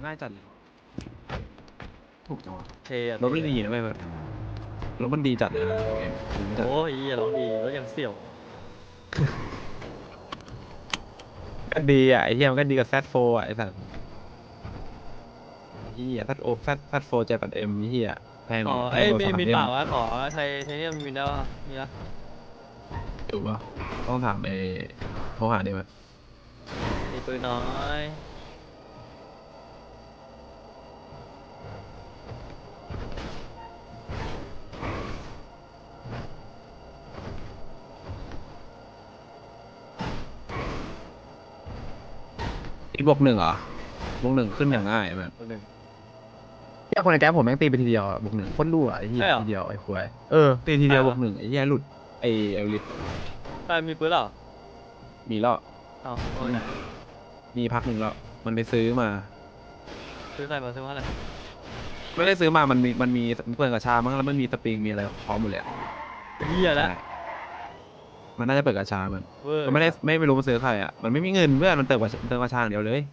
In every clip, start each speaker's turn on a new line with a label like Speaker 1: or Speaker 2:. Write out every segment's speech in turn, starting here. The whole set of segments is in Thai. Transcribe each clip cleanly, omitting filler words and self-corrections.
Speaker 1: ง่ายจัดเลยถูกจังวะ
Speaker 2: เทอะ
Speaker 1: รถไม่ดีนะเว้ยแบบรถมันดีจัดเลยนะผมจัด
Speaker 2: โอ้ยอย่าร้องดีรถยังเสี่ยว
Speaker 1: ก็ดีอ่ะไอ้เหี้ยมันก็ดีกับแซดโฟอ่ะไอ้สัสเหี้ยแซดโอแซดโฟ7 8 Mเหี้ยแพง
Speaker 2: อ๋อ
Speaker 1: แพ
Speaker 2: เอ้
Speaker 1: ง
Speaker 2: ย
Speaker 1: กว่า
Speaker 2: มี
Speaker 1: 3M
Speaker 2: เปล่าวะขอไทเทเนียมมีได้ปะมีปะ
Speaker 1: อยู่ปะต้องถามไอ้โทรหาดิมั้ย
Speaker 2: มีปืนน้อย
Speaker 1: อีกบวก 1เหรอบวก 1ขึ้นอย่างง่ายแบบ
Speaker 2: ตัวหนึ่ง
Speaker 1: เหี้ยคนในแก๊งผมแม่งตีไปทีเดียวอะบวก 1โคตรรั่วไอ้เหี้ย
Speaker 2: ใช่เหรอ
Speaker 1: ทีเดียวไอ้ควายตีทีเดียว
Speaker 2: ใช่เหรอ
Speaker 1: บวก 1ไอ้เหี้ยหลุดไอ้เอลลิส
Speaker 2: ใครมีปืนเหรอ
Speaker 1: มีแล้ว
Speaker 2: เอ้าโอ้ยไหน
Speaker 1: มีพักหนึ่งแล้วมันไปซื้อมา
Speaker 2: ซื้อใครมาซื้อมาอะไร
Speaker 1: ไม่ได้ซื้อมามันมีเปิดกระชามั้งแล้วมันมีสปริงมีอะไรพร้อมหมดเลยอะ
Speaker 2: เหี้ยแล้ว
Speaker 1: ใช่มันน่าจะเปิดกระชามัน
Speaker 2: เวอร์
Speaker 1: มันไม่รู้มันซื้อใครอ่ะมันไม่มีเงินเพื่อนมันเติมกระชาอย่างเดียวเลย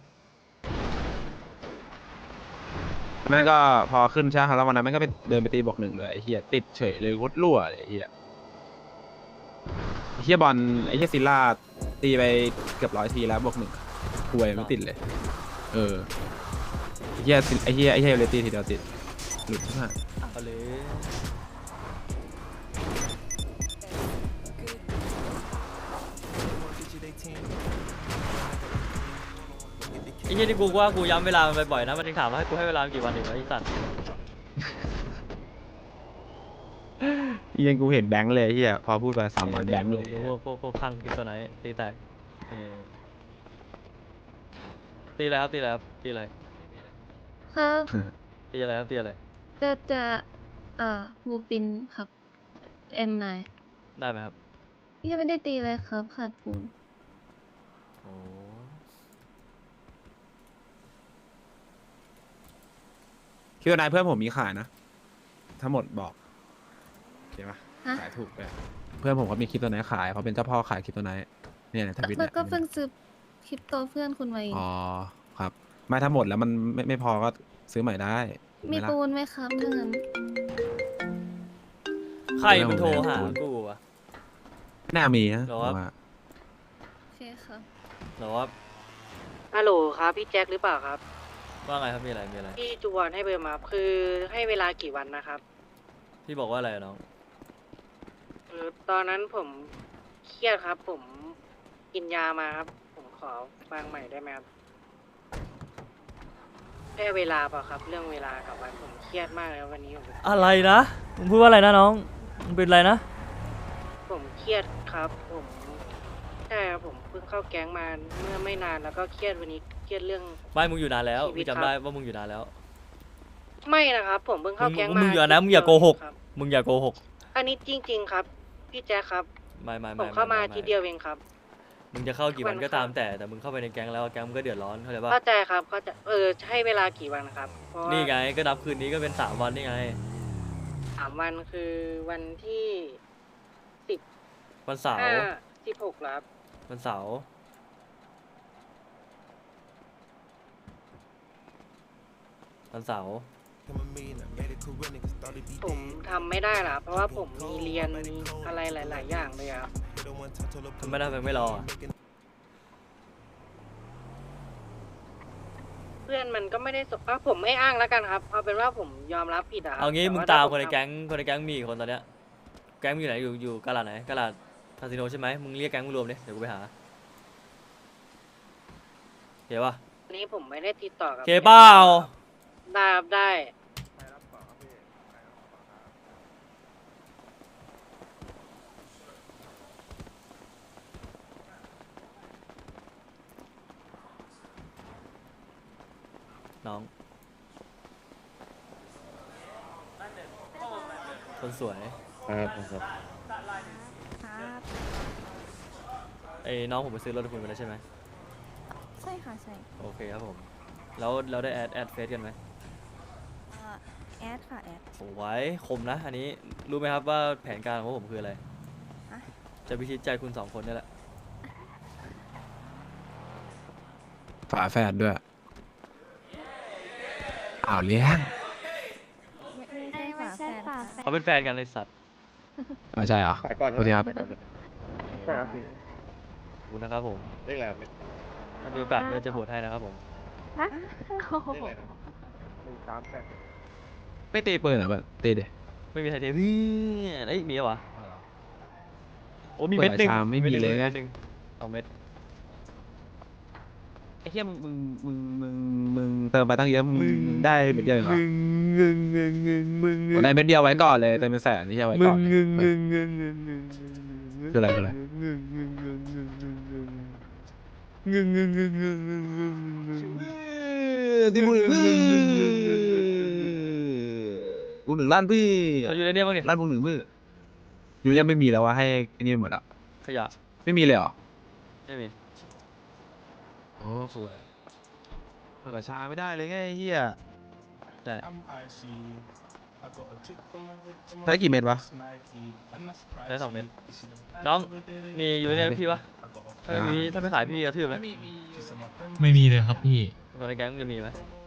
Speaker 1: แม่งก็พอขึ้นใช่ไหมแล้ววันนั้นแม่งก็ไปเดินไปตีบวก 1เลยไอ้เหี้ยติดเฉยเลยโคตรรั่วเลยไอ้เหี้ยบอลไอ้เหี้ยซิลล่าตีไปเกือบ100 ทีแล้วบวก 1ป่วยไม่ติดเลยไอ้เหี้ยเรตีทีเดียวติดหลุดมาก
Speaker 2: เอาเลยไอ้เหี้ยที่กูว่ากูย้ำเวลามันบ่อยๆนะมันยังถามว่าให้กูให้เวลากี่วันอีกวะไอ้สัตว์
Speaker 1: ยังกูเห็นแบงค์เลยไอ้เหี้ยพอพูดไป3 วันแบงค์เลย
Speaker 2: ดูพวกข้างคริปโตไนท์ตีแตกตีอะไรครับตีอะไรครับตีอะไร
Speaker 3: ครับ
Speaker 2: ตีอะไรครับตีอะไร
Speaker 3: จะบูปินครับ M9
Speaker 2: ได้ไหมครับ
Speaker 3: ยังไม่ได้ตีเลยครับขาดปูน
Speaker 2: โอ้
Speaker 1: คิดว่านายเพื่อนผมมีขายนะทั้งหมดบอกโอเคปะ
Speaker 3: ฮะ
Speaker 1: ขายถูกเลยเพื่อนผมเขามีคริปโตไนท์ขายเขาเป็นเจ้าพ่อขายคริปโตไนท์เนี่ยในทวิต
Speaker 3: แล้
Speaker 1: เนี่
Speaker 3: วย ก็เพิ่งซื้อคริปโตเพื่อนคุณมาเอง
Speaker 1: อ๋อครับไม่ทั้งหมดแล้วมันไม่พอก็ซื้อใหม่ได้ถูกไห
Speaker 3: มี
Speaker 1: ล่ะ
Speaker 3: ปูนไหมครับถ้างั้น
Speaker 2: ใครมันโทรหากูวะ
Speaker 1: ไม่น่ามีนะ
Speaker 2: หรอ
Speaker 1: ผมว่า
Speaker 3: โอเคครับ
Speaker 2: หรอว่า
Speaker 4: ฮัลโหลครับพี่แจ็คหรือเปล่าครับ
Speaker 2: ว่าไงครับมีอะไรมีอะไร
Speaker 4: พี่จูวอนให้เบอร์มาคือให้เวลากี่วันนะครับ
Speaker 2: พี่บอกว่าอะไรอะน้อง
Speaker 4: ตอนนั้นผมเครียดครับ ผมกินยามาครับ ผมขอฟังใหม่ได้ไหมครับแค่เวลาเปล่าครับ เรื่องเวลากับวันผมเครียดมากเลยวันนี้ผม
Speaker 2: อะไรนะมึงพูดว่าอะไรนะน้องมึงเป็นอะไรนะ
Speaker 4: ผมเครียดครับ ผมใช่ครับผมเพิ่งเข้าแก๊งมาเมื่อไม่นานแล้วก็เครียดวันนี้เครียดเรื่อง
Speaker 2: ไม่มึงอยู่นานแล้ว
Speaker 4: ชีวิต
Speaker 2: พี่จำได้ว่ามึงอยู่นานแล้ว
Speaker 4: ไม่นะครับ ผมเพิ่งเข้าแก๊งมา
Speaker 2: มึงอย่านะมึงอย่าโกหก
Speaker 4: ครับ
Speaker 2: มึงอย่าโกหก
Speaker 4: อันนี้จริง ๆ ครับ พี่แจ็คครับ
Speaker 2: ไม่
Speaker 4: ผมเข้ามาทีเดียวเองครับ
Speaker 2: มึงจะเข้ากี่วัน
Speaker 4: วัน
Speaker 2: ก็
Speaker 4: ครับ
Speaker 2: ตามแต่มึงเข้าไปในแก๊งแล้วแก๊งมึงก็เดือดร้อนเข้าใจปะ
Speaker 4: เข้าใจครับเข้าใจให้เวลากี่วันครับเพราะว่า
Speaker 2: นี่ไงก็นับคืนนี้ก็เป็น3 วันนี่ไง
Speaker 4: 3 วันคือวันที่
Speaker 2: วันเสาร์
Speaker 4: 16แล้วครับ
Speaker 2: วันเสาร์วันเสาร์
Speaker 4: ผมทำไม่ได้ล่ะเพราะว่าผมมีเรียนมีอะไรหลาย ๆ อย่างเลยครับ
Speaker 2: ทำไมได้ไม่รออะ
Speaker 4: เพื่อนมันก็ไม่ได้สผมไม่อ้างแล้วกันครับเอาเป็นว่าผมยอมรับผิดอะครับ
Speaker 2: เอางี้
Speaker 4: แต่
Speaker 2: มึง
Speaker 4: ว่
Speaker 2: ตาม
Speaker 4: ถ้
Speaker 2: คนใน
Speaker 4: ผ
Speaker 2: แก๊งมีกี่คนตอนเนี้ยแก๊งมึงอยู่ไหนอยู่กาลาดไหนกาลาดคาสิโนใช่ไหมมึงเรียกแก๊งมึงรวมดิเดี๋ยวกูไปหาเห็นปะ
Speaker 4: อันนี้ผมไม่ได้ติดต่อกับ
Speaker 2: เคเปล่า
Speaker 4: ได้ครับได้
Speaker 2: น้องคนสวย
Speaker 5: ครับ
Speaker 2: ไอ้น้องผมไปซื้อรถคุณไปแล้วใช่ไหม
Speaker 3: ใช่ค่ะใช่
Speaker 2: โอเคครับผมแล้วเราได้แอดเฟซกันไหม
Speaker 3: แอดค่ะแอด
Speaker 2: โอ้ไว้คมนะอันนี้รู้ไหมครับว่าแผนการของพวกผมคืออะไร
Speaker 3: ฮะ
Speaker 2: จะพิชิตใจคุณ2 คนนี่แหละ
Speaker 1: ฝาแฝดด้วยอ้าวเลี้ยง
Speaker 3: ไม่ใช่ฝาแฝด
Speaker 2: เขาเป็นแฟนกันเลยสัตว์
Speaker 1: อ๋อใช่เหรอ
Speaker 5: ขายก่อน
Speaker 1: โทษทีครับ
Speaker 5: ใช่ครับพี่
Speaker 2: ขอบคุณนะครับผม
Speaker 5: เลขอะไรครับ
Speaker 2: ถ้ามีโอกาสเราจะโหวตให้นะครับผม
Speaker 3: ฮะโอ้โห
Speaker 5: เลขอะไรนะ138
Speaker 1: ไม่ตีปืนเหรอแบบตีดิ
Speaker 2: ไม่มีใครเทพี่เอ้ยมีเหรอวะโอ้มีเม็ดหนึ่ง
Speaker 1: เปิดชามไม่มีเลยไง
Speaker 2: ม็ดหนึ่ง2 เม็ด
Speaker 1: ไอ้เหี้ยมึงเติมไปตั้งเยอะมึงได้เม็ดเดียวเองเหรอ ได้เม็ดเดียวไว้ก่อนเลยเติมเป็นแสนนี่ใช่ไว้ก่อนคืออะไรคืออะไรที่มึงกูหนึ่งล้านพี่
Speaker 2: เขาอยู่ในเนี้ยบ้างเนี่ย
Speaker 1: ล้านมึงหนึ่งมืออยู่ยังไม่มีแล้ววะให้ไอ้นี่หมดอ่ะ
Speaker 2: ขยะ
Speaker 1: ไม่มีเลยเหรอ
Speaker 2: ไม่มี
Speaker 1: โอ้สวยเปิดชาไม่ได้เลยไงไอ้เฮีย
Speaker 2: ได้
Speaker 1: ใช้กี่เม็ดวะ
Speaker 2: ได้2 เม็ดน้องมีอยู่ในเนี้ยพี่ปะถ้าไม่มีถ้าไม่ขายพี่กระทืบเลย
Speaker 6: ไม่มีเลยครับพี่
Speaker 2: คนในแก๊งมึงจะมีไหม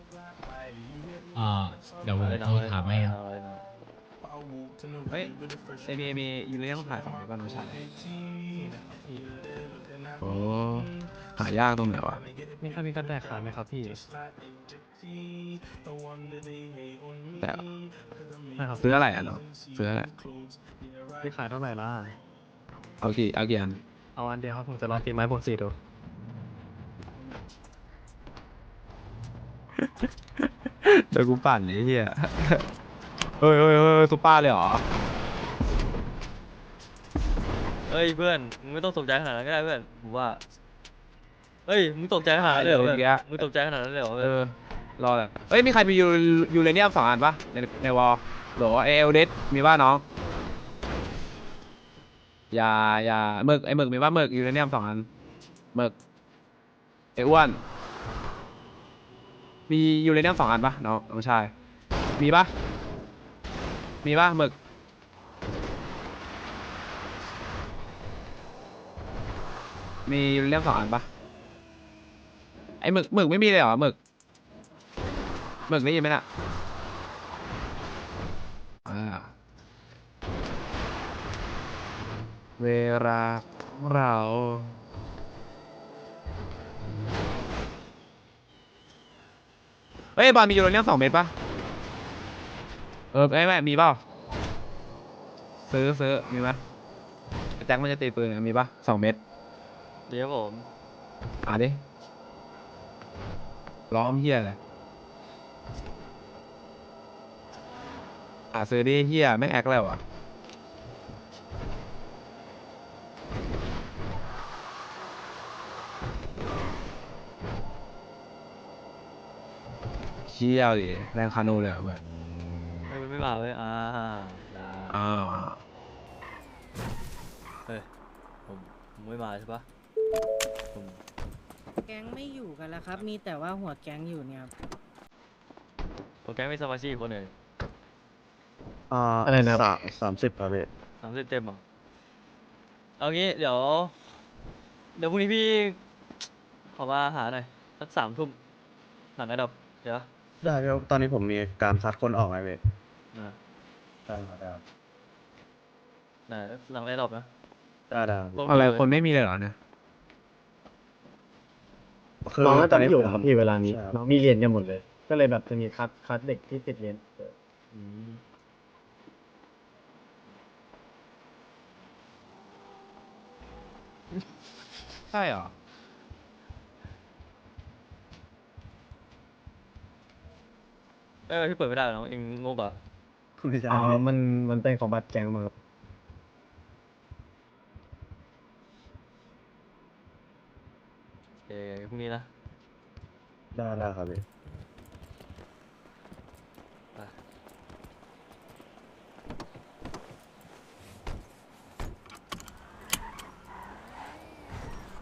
Speaker 6: เดี๋ยวผม
Speaker 2: เลยน้
Speaker 6: โท
Speaker 2: อง
Speaker 6: ร
Speaker 2: เลย
Speaker 6: ถามให้ครับ
Speaker 2: เอาเลยน้อง
Speaker 1: เฮ้ยเอมีอยู่ในเรื่องถ่ายของในบ้านไม่ใช่โอ้หายากตรงไหนวะ
Speaker 6: มีใครมีกันแดกขายไหมครับพี่
Speaker 1: แต่
Speaker 6: ใช่ครับ
Speaker 1: ซื้ออะไรอ่ะเนาะซื้ออะไร
Speaker 6: พี่ขายเท่าไหร่ล่ะ
Speaker 1: เอากี่อัน
Speaker 6: เอาอันเดียวครับผมจะลองตีไม้บวก4ดู
Speaker 1: เดี๋ยวกูปั่นไอ้เหี้ยเฮ้ยซุปเปอร์เลยเหรอ
Speaker 2: เอ้ยเพื่อนมึงไม่ต้องตกใจขนาดนั้นก็ได้เพื่อนผมว่าเอ้ยมึงตกใจขนาดนั้นเลยเหรอเพื่อนมึงตกใจขนาดนั้นเลยเหรอเพื่อน
Speaker 1: รอแบบเฮ้ยมีใครมียูเรเนียม2 อันปะในวอลหรอเอลเดสมีป่ะน้องอย่าหมึกไอหมึกมีป่ะหมึกยูเรเนียม2 อันหมึกไออ้วนมียูเรเนียม2 อันปะน้องชายมีป่ะหมึกมียูเรเนียม2 อันปะไอหมึกไม่มีเลยเหรอหมึกได้ยินไหมน่ะเวลาของเราเฮ้ยบอลมียูโรเนียม2 เม็ดปะไม่มีเปล่าซื้อมีไหมแจ็คมันจะตีปืนมีปะ2 เม็ด
Speaker 2: เดี๋ยวผม
Speaker 1: ดิล้อมเฮียเลยซื้อดิเฮียแม่งแอคแล้วอ่ะเชี่ยวดิแรงคานูเลยเหรอเพื่อน
Speaker 2: เฮ้ยมันไม่มาเว้ยได้
Speaker 1: อ้าว
Speaker 2: เฮ้ยผมไม่มาใช่ปะผม
Speaker 4: แก๊งไม่อยู่กันแล้วครับ มีแต่ว่าหัวแก๊งอยู่เนี่ยครับ
Speaker 2: ผมแก๊งไม่สมาชิกอีกคนหนึ่ง
Speaker 6: อะไรนะ
Speaker 5: 30ครับพี่
Speaker 2: 30 เต็มเหรอเอางี้เดี๋ยวพรุ่งนี้พี่ขอมาหาหน่อยสัก3 ทุ่มหลังไอ้ดอกเดี๋ยว
Speaker 5: ได้ครับตอนนี้ผมมีการคัดคนออกไงพี่
Speaker 2: นะ
Speaker 5: ได้ครับ
Speaker 2: ไหนหลังไอ้ดอกนะ
Speaker 5: ได้
Speaker 1: อะไรคนไม่มีเลยเหรอเนี่ย
Speaker 5: คือ
Speaker 6: น้องน่า
Speaker 5: ตอ
Speaker 6: จะ
Speaker 5: นนี้
Speaker 6: อยู่
Speaker 5: ผม
Speaker 6: ครับพี่เวลานี้
Speaker 5: ใช่ครับ
Speaker 6: น้องมีเรียนกันหมดเลย ก็เลยแบบจะมีคัดเด็กที่ติดเรียน
Speaker 1: ใช่เหรอ
Speaker 2: พี่เปิดไม่ได้เหรอน้องเองงงเหรอ
Speaker 5: ไม่ใช่
Speaker 6: อ๋อ มันเป็นของบัตรแกงมาครับ
Speaker 2: พรุ่งนี้นะ
Speaker 5: ได้ครับพี่